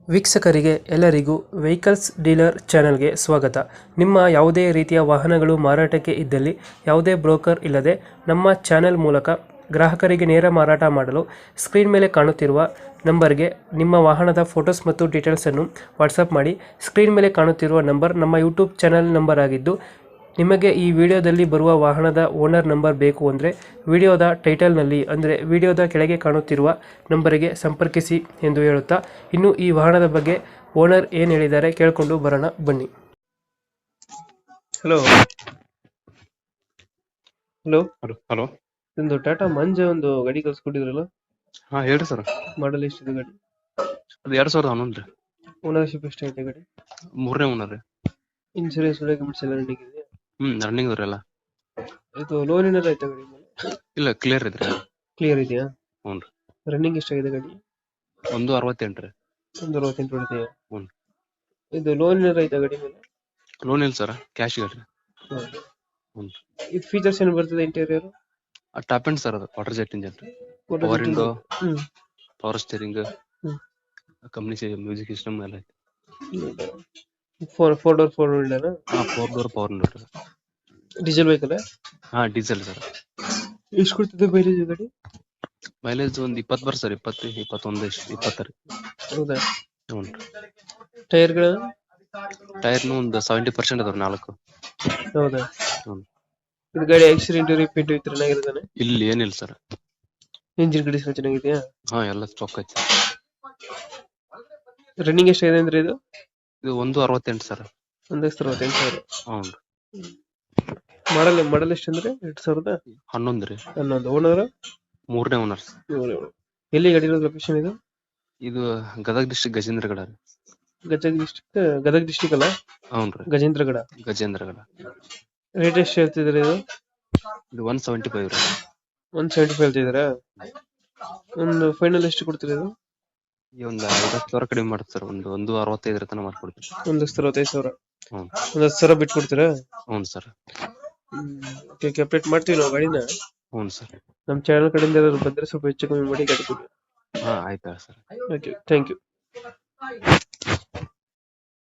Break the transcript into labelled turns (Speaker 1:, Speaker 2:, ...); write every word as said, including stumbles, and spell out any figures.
Speaker 1: ವೀಕ್ಷಕರಿಗೆ ಎಲ್ಲರಿಗೂ vehicles dealer ಚಾನೆಲ್ಗೆ ಸ್ವಾಗತ. ನಿಮ್ಮ ಯಾವುದೇ ರೀತಿಯ ವಾಹನಗಳು ಮಾರಾಟಕ್ಕೆ ಇದ್ದಲ್ಲಿ ಯಾವುದೇ ಬ್ರೋಕರ್ ಇಲ್ಲದೆ ನಮ್ಮ ಚಾನೆಲ್ ಮೂಲಕ ಗ್ರಾಹಕರಿಗೆ ನೇರ ಮಾರಾಟ ಮಾಡಲು ಸ್ಕ್ರೀನ್ ಮೇಲೆ ಕಾಣುತ್ತಿರುವ ನಂಬರ್ಗೆ ನಿಮ್ಮ ವಾಹನದ ಫೋಟೋಸ್ ಮತ್ತು ಡೀಟೇಲ್ಸನ್ನು ವಾಟ್ಸಪ್ ಮಾಡಿ. ಸ್ಕ್ರೀನ್ ಮೇಲೆ ಕಾಣುತ್ತಿರುವ ನಂಬರ್ ನಮ್ಮ ಯೂಟ್ಯೂಬ್ ಚಾನೆಲ್ ನಂಬರ್ ಆಗಿದ್ದು, ನಿಮಗೆ ಈ ವಿಡಿಯೋದಲ್ಲಿ ಬರುವ ವಾಹನದ ಓನರ್ ನಂಬರ್ ಬೇಕು ಅಂದರೆ ವಿಡಿಯೋದ ಟೈಟಲ್ನಲ್ಲಿ ಅಂದರೆ ವಿಡಿಯೋದ ಕೆಳಗೆ ಕಾಣುತ್ತಿರುವ ನಂಬರಿಗೆ ಸಂಪರ್ಕಿಸಿ ಎಂದು ಹೇಳುತ್ತಾ, ಇನ್ನು ಈ ವಾಹನದ ಬಗ್ಗೆ ಓನರ್ ಏನು ಹೇಳಿದ್ದಾರೆ ಕೇಳಿಕೊಂಡು ಬರೋಣ ಬನ್ನಿ. ಹಲೋ ಹಲೋ
Speaker 2: ಹಲೋ ಹಲೋ
Speaker 1: ಒಂದು ಟಾಟಾ ಮಂಜ ಒಂದು ಗಾಡಿ ಕಳ್ಸ್ಕೊಟ್ಟಿದ್ರಲ್ಲ,
Speaker 2: ಹಾ ಹೇಳ್ರಿ ಸರ್.
Speaker 1: ಮಾಡಲ್ ಎಷ್ಟಿದೆ ಗಾಡಿ?
Speaker 2: ಅದು ಎರಡ್ ಸಾವಿರದ ಹನ್ನೊಂದು ರೀ.
Speaker 1: ಓನರ್ಶಿಪ್ ಎಷ್ಟೈತೆ ಗಾಡಿ?
Speaker 2: ಮೂರನೇ ಓನರ್ ರೀ.
Speaker 1: ಇನ್ಸೂರೆನ್ಸ್ ಡಾಕ್ಯುಮೆಂಟ್ಸ್ ಎಲ್ಲ ರೆಡಿ ಇದೆ?
Speaker 2: ಹ್ಮ್ ರನ್ನಿಂಗ್ ಅವ್ರಿ ಎಲ್ಲ.
Speaker 1: ಇದು ಲೋನ್ ಏನಾರ ಆಯ್ತಾ ಗಾಡಿ ಮೇಲೆ?
Speaker 2: ಇಲ್ಲ ಕ್ಲಿಯರ್ ಇದ್ರಿ.
Speaker 1: ಕ್ಲಿಯರ್ ಇದೆಯಾ?
Speaker 2: ಹ್ಞೂ ರೀ.
Speaker 1: ರನ್ನಿಂಗ್ ಎಷ್ಟಾಗಿದೆ ಗಾಡಿ?
Speaker 2: ಒಂದು ಅರವತ್ತೆಂಟು ರೀ.
Speaker 1: ಒಂದು ಅರವತ್ತೆಂಟು ಹೊಡಿದೆಯಾ?
Speaker 2: ಹ್ಞೂ.
Speaker 1: ಇದು ಲೋನ್ ಏನಾರ ಆಯ್ತಾ ಗಾಡಿ ಮೇಲೆ?
Speaker 2: ಲೋನ್ ಇಲ್ಲ ಸರ್, ಕ್ಯಾಶ್ ಗಾಡಿ.
Speaker 1: ಹ್ಮ್.
Speaker 2: ಹ್ಞೂ.
Speaker 1: ಇದು ಫೀಚರ್ಸ್ ಏನು ಬರ್ತದೆ ಇಂಟೀರಿಯರ್?
Speaker 2: ಟಾಪ್ ಎಂಡ್ ಸರ್, ಅದು ವಾಟರ್ ಜೆಟ್ ಇಂಜನ್ ರೀ. Power window,
Speaker 1: hmm
Speaker 2: power steering,
Speaker 1: hmm
Speaker 2: company music system ಎಲ್ಲ ಐತೆ.
Speaker 1: ಫೋರ್ ಫೋರ್ ಡೋರ್ ಫೋರ್ ವಿಂಡೋನಾ?
Speaker 2: ಹಾ ಫೋರ್ ಡೋರ್ ಪವರ್ ವಿಂಡೋ ರೀ.
Speaker 1: Diesel vehicle?
Speaker 2: ಹಾ ಡೀಸೆಲ್ ಸರ್.
Speaker 1: ಎಷ್ಟು ಕೊಡ್ತಿದೆ ಮೈಲೇಜ್ ಗಾಡಿ?
Speaker 2: ಮೈಲೇಜ್ ಒಂದು ಇಪ್ಪತ್ತು ಬರ್ ಸರ್, ಇಪ್ಪತ್ತು ಇಪ್ಪತ್ತೊಂದು ಇಷ್ಟು ಇಪ್ಪತ್ತರ.
Speaker 1: ಹೌದಾ?
Speaker 2: ಹ್ಞೂ ರೀ.
Speaker 1: ಟೈರ್ಗಳು?
Speaker 2: ಟೈರ್ನು ಒಂದು ಸೆವೆಂಟಿ ಪರ್ಸೆಂಟ್ ಅದಾವ ನಾಲ್ಕು.
Speaker 1: ಹೌದಾ?
Speaker 2: ಹ್ಞೂ.
Speaker 1: ಇದು ಗಾಡಿ ಆಕ್ಸಿಡೆಂಟ್ ರಿಪೇಂಟ್ ಇತ್ತು ಚೆನ್ನಾಗಿರ್ತಾನೆ?
Speaker 2: ಇಲ್ಲಿ ಏನಿಲ್ಲ ಸರ್.
Speaker 1: ಇಂಜಿನ್ ಕಂಡೀಷನ್ ಚೆನ್ನಾಗಿದೆಯಾ?
Speaker 2: ಹಾ ಎಲ್ಲ ಸ್ಟಾಕ್ ಐತೆ.
Speaker 1: ರನ್ನಿಂಗ್ ಎಷ್ಟಾಗಿದೆ ಅಂದ್ರೆ ಇದು?
Speaker 2: ಇದು ಒಂದು ಅರವತ್ತೆಂಟು ಸರ್.
Speaker 1: ಒಂದು ಲಕ್ಷದ ಅರವತ್ತೆಂಟು ಸಾವಿರ.
Speaker 2: ಹ್ಞೂ ರೀ.
Speaker 1: ಮಾಡಲ್ ಮಾಡಲ್ ಎಷ್ಟು ಅಂದ್ರೆ? ಎರಡ್ ಸಾವಿರದ
Speaker 2: ಹನ್ನೊಂದು ರೀ.
Speaker 1: ಹನ್ನೊಂದು. ಓನರ್?
Speaker 2: ಮೂರನೇ ಓನರ್.
Speaker 1: ಎಲ್ಲಿ ಗಾಡಿ ಇರೋದು ಲೊಕೇಶನ್ ಇದು?
Speaker 2: ಇದು ಗದಗ ಡಿಸ್ಟ್ರಿಕ್ಟ್ ಗಜೇಂದ್ರಗಡ ರೀ.
Speaker 1: ಗದಗ ಡಿಸ್ಟಿಕ್ ಗದಗ ಡಿಸ್ಟಿಕ್ ಅಲ್ಲ?
Speaker 2: ಹ್ಞೂ ರೀ.
Speaker 1: ಗಜೇಂದ್ರಗಡ.
Speaker 2: ಗಜೇಂದ್ರಗಡ.
Speaker 1: ರೇಟ್ ಎಷ್ಟು ಹೇಳ್ತಿದ್ರಿ ಇದು?
Speaker 2: ಇದು ಒನ್ ಸೆವೆಂಟಿ ಫೈವ್ ರೀ.
Speaker 1: ಒನ್ ಸೆವೆಂಟಿ ಫೈವ್ ಹೇಳ್ತಿದ್ದೀರಾ? ಒಂದು ಫೈನಲ್ ಎಷ್ಟು ಕೊಡ್ತೀರಿ ಇದು?
Speaker 2: ಈ ಒಂದು ಐವತ್ತು ಸಾವಿರ ಕಡಿಮೆ ಮಾಡುತ್ತೆ ಸರ್, ಒಂದು ಒಂದು ಅರವತ್ತೈದರ ತನಕ ಮಾಡ್ಕೊಡ್ತೀವಿ.
Speaker 1: ಒಂದು ಲಕ್ಷದ ಅರವತ್ತೈದು ಸಾವಿರ.
Speaker 2: ಹ್ಞೂ.
Speaker 1: ಒಂದು ಹತ್ತು ಸಾವಿರ ಬಿಟ್ಟು ಕೊಡ್ತೀರಾ?
Speaker 2: ಹ್ಞೂ ಸರ್.
Speaker 1: ಓಕೆ, ಅಪ್ಡೇಟ್ ಮಾಡ್ತೀವಿ ನಾವು ಗಾಡಿನ.
Speaker 2: ಹ್ಞೂ ಸರ್.
Speaker 1: ನಮ್ಮ ಚಾನಲ್ ಕಡೆಯಿಂದ ಏನಾದ್ರು ಬಂದರೆ ಸ್ವಲ್ಪ ಹೆಚ್ಚು ಕಮ್ಮಿ ಮಾಡಿ ಗಾಡಿ ಕೊಡಿ.
Speaker 2: ಹಾಂ ಆಯ್ತಾ ಸರ್.
Speaker 1: Okay, thank you.